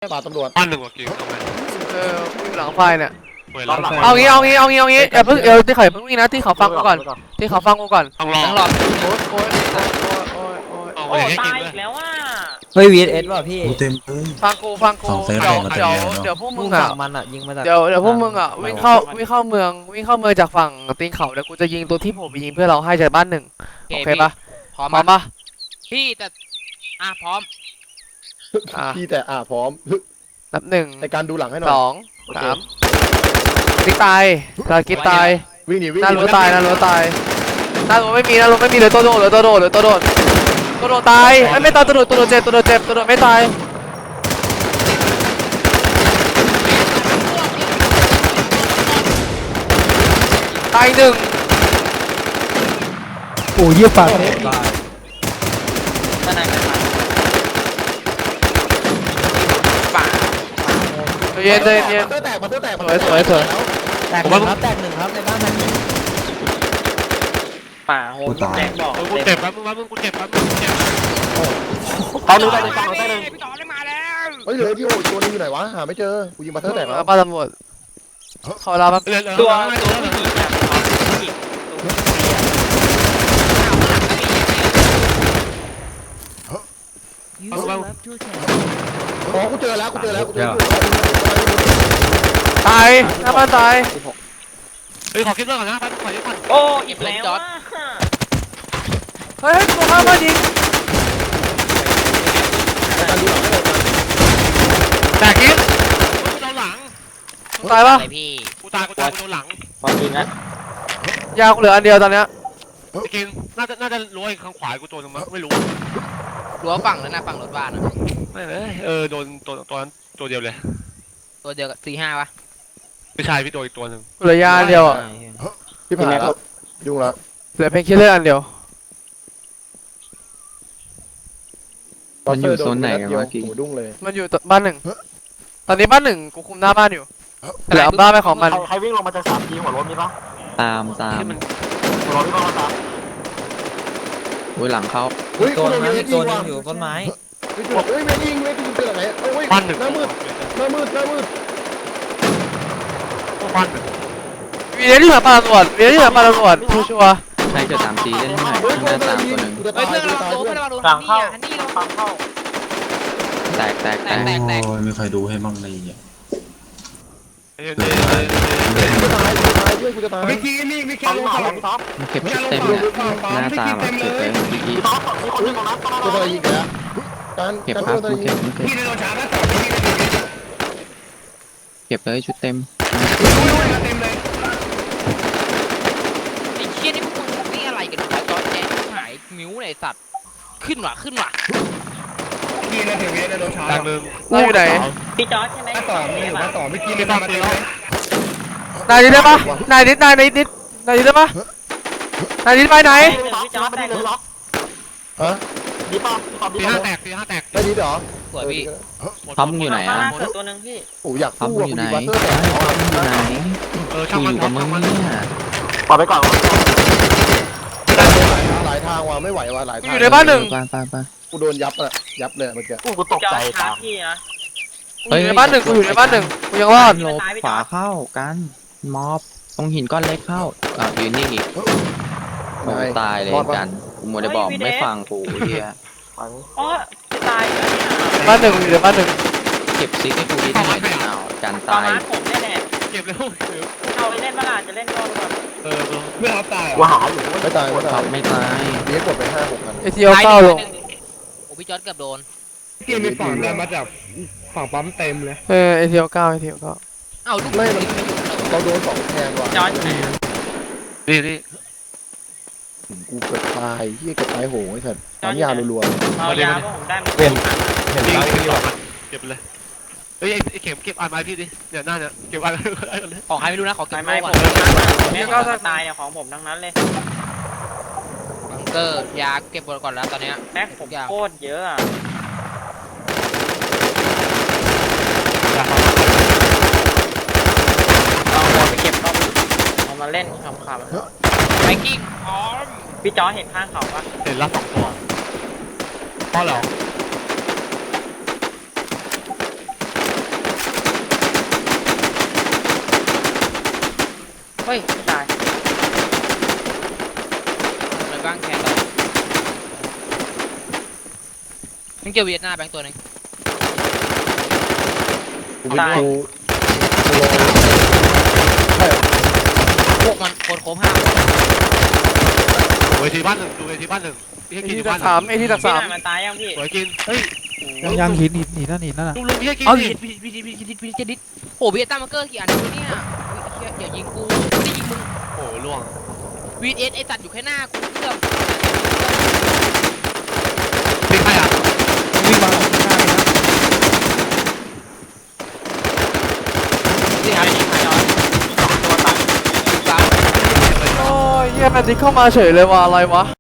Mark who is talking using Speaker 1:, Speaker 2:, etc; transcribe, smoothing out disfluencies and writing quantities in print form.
Speaker 1: ป่าตำรวจ
Speaker 2: บ้านหนึ่งว่ะกิ่งทำไม
Speaker 3: หลังไฟเนี่ย
Speaker 2: เอา
Speaker 3: งี้อย่าเพิ่งที่เขาเพิ่งวิ่งนะที่เขาฟังกูก่อนที่เขาฟังกูก่อน
Speaker 2: ต้องรอ
Speaker 4: ทั้งหลอด
Speaker 2: เอา
Speaker 5: โอ้
Speaker 2: ไปให้กิน
Speaker 5: ตาย
Speaker 2: เล
Speaker 5: อี
Speaker 2: ย
Speaker 5: กแล้วว่า
Speaker 4: เฮ้ยวีเอสว่ะพี่
Speaker 6: เต็มเลย
Speaker 3: ฟังกูเดี๋ยวพวกมึงอ่ะ
Speaker 4: มันอ่ะยิงมาจาก
Speaker 3: เดี๋ยวพวกมึงอ่ะวิ่งเข้าเมืองจากฝั่งตีนเขาแล้วกูจะยิงตัวที่ผมไปยิงเพื่อเราให้จากบ้านหนึ่งโอเคปะ
Speaker 4: พร้อม
Speaker 3: พร้อมปะ
Speaker 4: พี่แต่พร้อม
Speaker 1: พี่แต่พร้อม
Speaker 3: นับหนึ่ง
Speaker 1: ในการดูหลังให้หน่อย
Speaker 3: 2 3ติ๊กตายเรากิ๊บตาย
Speaker 1: วิ่งหนีวิ่ง
Speaker 3: หน้ารั้วตายหน้ารั้วไม่มีเลยตัวโดดตายไม่ตายตัวโดดเจ็บไม่ตายตายหนึ่ง
Speaker 7: โอ้ยเยี่ยปาก
Speaker 4: ด้านในกันมา
Speaker 3: เย็น
Speaker 1: เตอร์แตกมาเตอร์แตก
Speaker 3: สวย
Speaker 4: แตกหนึ่งครับในบ้านมัน
Speaker 5: ป่าโหแดงบอก
Speaker 2: กูเจ็บแล้วมึงเจ็บแล้วมึงเจ็บ
Speaker 1: ตอนนู้นได้เลยฟังได้เลย
Speaker 4: พี่ต่อได้มาแล้ว
Speaker 1: เฮ้ยเหลือที่โอ้ตัวนึงอยู่ไหนวะหาไม่เจอกูยิงมาเตอร์แตกแล้ว
Speaker 3: ป้าตำรวจขอเราแป๊บ
Speaker 5: ตัวผู้หญิงอะผู้หญิง
Speaker 1: อ๋อกูเจอแล้ว
Speaker 3: ตายหน้าบ้านตาย
Speaker 2: เฮ้ยขอคลิปเรื่องก่อนนะขอคลิปก่อน
Speaker 5: โอ้อีกแล้ว
Speaker 3: เฮ้ยตัวข้ามบ้านยิง
Speaker 1: การดูหลังให้หน่อย
Speaker 2: แต่กิ๊บกูโดนหลัง
Speaker 3: ตายปะ
Speaker 4: พี่
Speaker 2: กูตายกูโดนหลัง
Speaker 5: ความจริงนะ
Speaker 3: ยากูเหลืออันเดียวตอนเนี้ย
Speaker 2: กินน่าจะรั้วข้างขวากูโดนมั้งไม่รู้
Speaker 4: รั้วฝั่งแล้วนะฝั่งรถบ้านอ่ะ
Speaker 2: ไม่เลยโดนตัวนั้นตัวเดียวเลย
Speaker 4: ตัวเดียวกับ4-5ป่ะ
Speaker 2: ไม่ใช่พี่โดนอีกตัวหนึ่ง
Speaker 3: กูเหลือยาอันเดียวอ่ะ
Speaker 1: พี่ผ่านแล้วยุ่งแล้ว
Speaker 3: เหลือเพนคิลเลอร์อันเดียว
Speaker 1: มันอยู่โซนไหนกันวะกิ๊กหูดุ้งเลย
Speaker 3: มันอยู่บ้านหนึ่งตอนนี้บ้านหนึ่งกูคุมหน้าบ้านอยู่เหลือบ้านไปของมัน
Speaker 1: ใครวิ่งลงมาจาก3 ทีหัวรถมีปะ
Speaker 8: ตาม
Speaker 2: ที่มัน
Speaker 1: หัวรถวิ่งลงมาตาม
Speaker 8: อุ้ยหลังเขา
Speaker 1: เฮ้ย
Speaker 4: ตัว
Speaker 1: กูโดน
Speaker 4: นึง
Speaker 1: เวท
Speaker 4: ตั
Speaker 1: ยิ
Speaker 4: ว
Speaker 1: ง
Speaker 4: นึ
Speaker 1: ว่ะ
Speaker 4: งอยู่ต้นไม้
Speaker 1: เฮ้ยเวทยิงเจอไหนเอ้ย
Speaker 2: บ้านหนึ่ง
Speaker 1: หน้ามืด
Speaker 2: บ้านหนึ่ง
Speaker 3: วีเดียที่หาปลาตำรวจชัวร์
Speaker 8: ใครจะตามตีเล่นให้หน่อยข้างหน้าตามตัวหนึ่ง
Speaker 1: กูจะ
Speaker 4: เฮ้
Speaker 1: ตาย
Speaker 4: ยเพื่อน
Speaker 1: กูจะ
Speaker 4: เรา
Speaker 1: ตาย
Speaker 4: โดน
Speaker 1: เพื่อน
Speaker 4: เพื่อนเราโดนฮันนี่เรา
Speaker 5: ฟังเข้า
Speaker 8: แตก
Speaker 4: แตก
Speaker 6: โอ้ยไม่เคยดูให้บ้างเลยเนี่ย
Speaker 1: กูจะตาย
Speaker 7: เมื่อกี้นี่ไม่แค่ลงสลับท็อป
Speaker 8: มันเก็บชุดเต็มเนี่ยหน้าตามอะเก็บเลยเมื่อกี้
Speaker 1: กูจะยิงแล้วการ
Speaker 8: เก็บ
Speaker 1: การ
Speaker 8: ครับ
Speaker 1: กูจะยิง
Speaker 7: พี่ในโดนช้าแล้วต่อที่นี่เลย
Speaker 8: เก็บเลยชุดเต็ม
Speaker 7: เต็มเลย
Speaker 4: ไอ้เชี่ยนี่พวกมึงนี่อะไรกันวะจอร์จแจ๊หายมิ้วไอ้สัตว์ขึ้นว่ะ
Speaker 7: พี่ในถึงในโดนช้า
Speaker 2: ทางหนึ่ง
Speaker 3: เราอยู่ไหน
Speaker 5: พี่จอร์จใช่ไหม
Speaker 7: ต่อไม่มาต่อเมื่อกี้ไม่มาเต็มเลย
Speaker 3: นายนิดได้ปะนายนิดได้ปะนายนิดไปไหน
Speaker 5: พี่จอร์จได้เลย
Speaker 1: ฮะ
Speaker 2: ตีห้าแตก
Speaker 1: ได้ดีเหรอ
Speaker 4: สวยพี่
Speaker 8: ท็อปมึงอยู่ไหนอ่ะ
Speaker 5: ตัวนึงพี่
Speaker 1: โอ้อยาก
Speaker 8: ท็อป
Speaker 1: สู้
Speaker 8: มึง
Speaker 1: อ่ะ
Speaker 8: อ
Speaker 1: กู
Speaker 8: ยู่ไหน
Speaker 1: ยิงบัตเตอร์แตก
Speaker 8: อยู่ไหน
Speaker 2: ช่าง
Speaker 8: กู
Speaker 2: มั
Speaker 8: อนยู่กับมึงเนี่ย
Speaker 1: ปล่อยไปก่อนหลายทางว่ะไม่ไหวว่ะหลายทาง
Speaker 3: อยู่ในบ้านหนึ่ง
Speaker 8: ไป
Speaker 1: กูโดนยับเลยเมื่อกี้
Speaker 5: กูตกใจตามพี่นะ
Speaker 3: กูอยู่ในบ้านหนึ่งกูยังรอด
Speaker 8: หลบขวาเข้ากันมอบตรงหินก้อนเล็กเข้ายืนนิ่งอีกโอ้ตายเลยกันกูมัวได้บอกไม่ฟังกูเฮีย
Speaker 5: อ๋อจะตายเหรอ
Speaker 3: บ้านหนึ่งอยู่ในบ้านหนึ่ง
Speaker 8: เก็บซิกให้กูดีหน่อยอ้าวกัน
Speaker 5: ตอน
Speaker 8: ตาย
Speaker 5: นั้นผมแน่
Speaker 2: เก็บเร็ว
Speaker 5: ๆเอาไปเล่นเมื่อไหร่จะเล่นก่อนก่อน
Speaker 7: เพื่อนเขาตาย
Speaker 1: ว่าหาอยู่ไม่ตาย
Speaker 8: ท็อปไม่ตาย
Speaker 1: เลี้ยงกดไป5-6พัน
Speaker 3: เอทีโอเก้าลง
Speaker 4: โอ้พี่จอร์จเกือบโดน
Speaker 7: พี่มีฝั่งได้มาจากฝั่งปั๊มเต็มเลย
Speaker 3: เอทีโอเก้า
Speaker 4: เอ้าลูก
Speaker 1: ไม่มันเราโดน2แทนว่ะ
Speaker 5: จอร์จอยู่ไหน
Speaker 2: นี่
Speaker 1: กูเกิดตายเฮียเกิดตายโหงไอ้สัตว์น้ำยารัว
Speaker 5: เอายาก็ผมได้มา
Speaker 2: เก็บเลยเฮ้ยไอ้เข็มเก็บอ่านไม้พี่ดิเนี่ยหน้าเนี่ยเก็บอ่านเลย
Speaker 4: ของใครไม่รู้นะขอเก็บ
Speaker 5: ไม่
Speaker 4: โล่
Speaker 5: ผ
Speaker 4: ก่อ
Speaker 5: ม
Speaker 4: น
Speaker 5: แม่ก็ตายเนี่ยของผมทั้งนั้นเลย
Speaker 4: บังเกอร์ยาเก็บหมดก่อนแล้วตอนเนี้ย
Speaker 5: แม็กผมโคตรเยอะอ่ะเอาบอลไปเก็บก็เอามาเล่นขำ
Speaker 4: ไวกิ้งพร้อม
Speaker 5: ๆพี่จอร์จเห็นข้างเขาปะ
Speaker 2: เห็นละ2 ตัวพ่อหรอ
Speaker 5: เฮ้ยไม่ตาย
Speaker 4: ในบ้างแคนเรายังเจอเวียดหน้าแบงค์ตัวหนึง
Speaker 1: กูลอยใช่เหรอ
Speaker 4: พวกมันโคตรห้า
Speaker 2: เวทีบ้านหนึ่งดูเวทีบ้านหนึ่งพี่
Speaker 3: ไอ้
Speaker 2: ให้กิน
Speaker 3: ที่
Speaker 2: อยู่
Speaker 3: ดั
Speaker 2: บ้าก น
Speaker 3: สามไอ้ที่ดัก
Speaker 5: พี่
Speaker 3: สาม
Speaker 5: นายมันตายยังพี่
Speaker 2: สวยกินเฮ้ย
Speaker 7: ยังหินนั่นน่ะ
Speaker 2: ลุงพี่ให้กิน
Speaker 4: เอา
Speaker 2: ดิ
Speaker 4: พี่จะดิดโอ้เวียดหน้ามันเกอร์กี่อันเนี่ยอย่ายิงกูไม่ได้ยิงมึง
Speaker 2: โอ้ล่วง
Speaker 4: วีเอสไอสัตว์อยู่แค่หน้ากูเกือบ
Speaker 2: พี่ใครอ่ะ
Speaker 7: วิ่งมาข้างหน้าเลยนะ
Speaker 5: พี่นายยิงใครนอนตัวตาย
Speaker 3: โอ้ยเฮียแมนดิเข้ามาเฉยเลยว่ะอะไรวะ